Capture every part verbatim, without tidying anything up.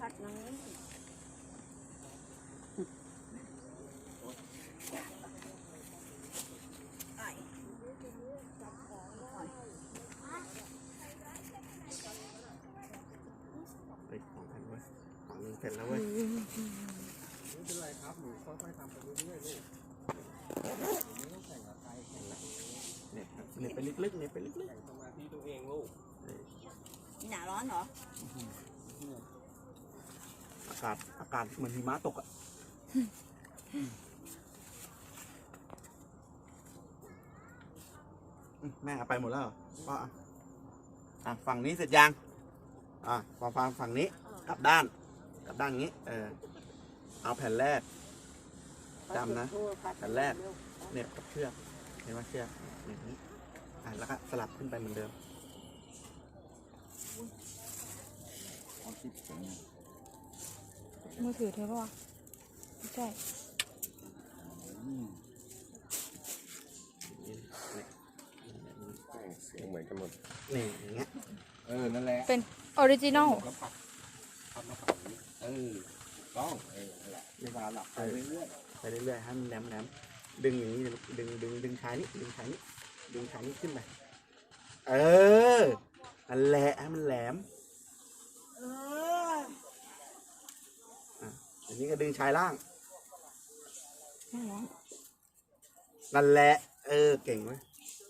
ผัดน้ำไปของแผ่นเว้ยของหนึ่งแผ่นแล้วเว้ยไม่เป็นไรครับหนูค่อยๆทำไปเรื่อยๆลูกไม่ต้องแข่งกับใครแข่งกับเนี่ยเนี่ยไปลึกๆเนี่ยไปลึกๆแข่งสมาธิตัวเองลูกนี่หนาร้อนเหรออากาศอากาศเหมือนหิมะตกอ่ะแม่เอาไปหมดแล้วก็อ่ะฝั่งนี้เสร็จยังอ่ะพอฟังฝั่งนี้กลับด้านกลับด้านนี้เออเอาแผ่นแรกจำนะแผ่นแรกเนี่ยกับเชือกเห็นไหมเชือกอย่างนี้อ่ะแล้วก็สลับขึ้นไปเหมือนเดิมมือถือเธอปะวะไม่ใช่เสียงเหมือนกันหมดนี่อย่างเงี้ยเออนั่นแหละเป็นออริจินอลแล้วปักปักมาฝั่งนี้เออต้องเออนั่นแหละเวลาหลับไปเรื่อยๆไปเรื่อยๆให้มันแหลมแหลมดึงอย่างนี้ดึงดึงดึงชายนี้ดึงชายนี้ดึงชายนี้ขึ้นไปเออนั่นแหละให้มันแหลมเอออ่ะอันนี้ก็ดึงชายล่างนั่นแหละนั่นแหละเออเก่งไหม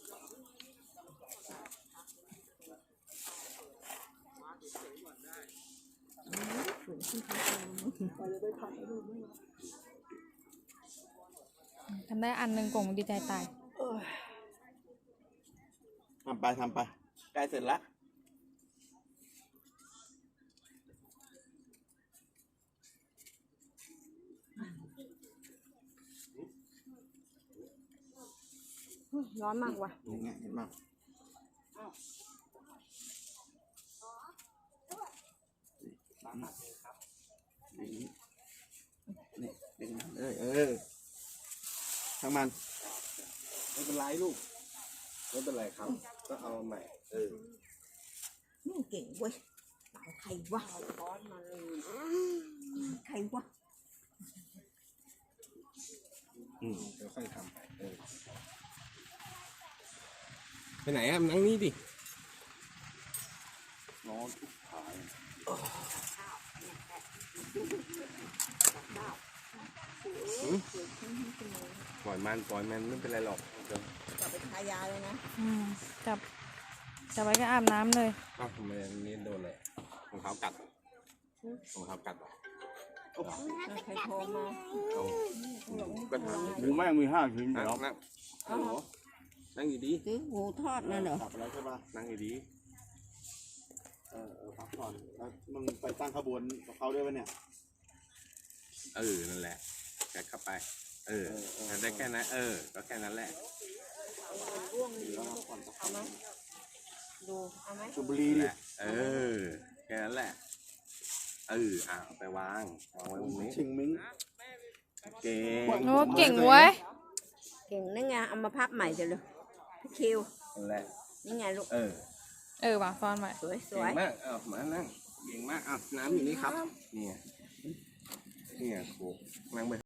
ทำได้อันหนึ่งกล่องดีใจตายทำไปทำไปใกล้เสร็จแล้วร้อนมากว่ะอย่างเงี้ยเห็นไหมสามหนักครับนี่นี่ดึงมันเออเออทั้งมันไม่เป็นไรลูกไม่เป็นไรครับก็เอาใหม่เออนี่เก่งเว้ยใครวะร้อนมาเลยใครวะอืมเดี๋ยวค่อยทำไปเออไปไหนอ่ะนั่งนี่ดิร้อนทุกทายปล่อยมันปล่อยมันไม่เป็นไรหรอกเดี๋ยวจับไปทายาเลยนะอืมจับจับไว้ก็อาบน้ำเลยอ้าวทำไมนี่โดนเลยรองเท้ากัดรองเท้ากัดใครโทรมาเอาก็ถามหมูแม่งมีห้าชิ้นเหรอนั่งฮัลโหลนั่งอยู่ดีซื้อหมูทอดนั่นเหรอขับแล้วใช่ป่ะนั่งอยู่ดีเออเออพักผ่อนแล้วมึงไปตั้งขบวนกับเขาด้วยป่ะเนี่ยเออนั่นแหละแกเข้าไปเออได้แค่นั้นเออก็แค่นั้นแหละเอาไหมดูเอาไหมชุบบุรีแหละเออแค่นั้นแหละเอออ่ะไปวางวางไว้ตรงนี้ชิงมิ้งเก่งโอ้เก่งเว้ยเก่งนั่นไงเอามาพับใหม่เดี๋ยวเลยคิวนั่นแหละนี่ไงลูกเออเออวางซ้อนไว้สวยสวยมากเออมานั่งเก่งมากอ่ะน้ำอยู่นี่ครับนี่นี่โขกนั่งไป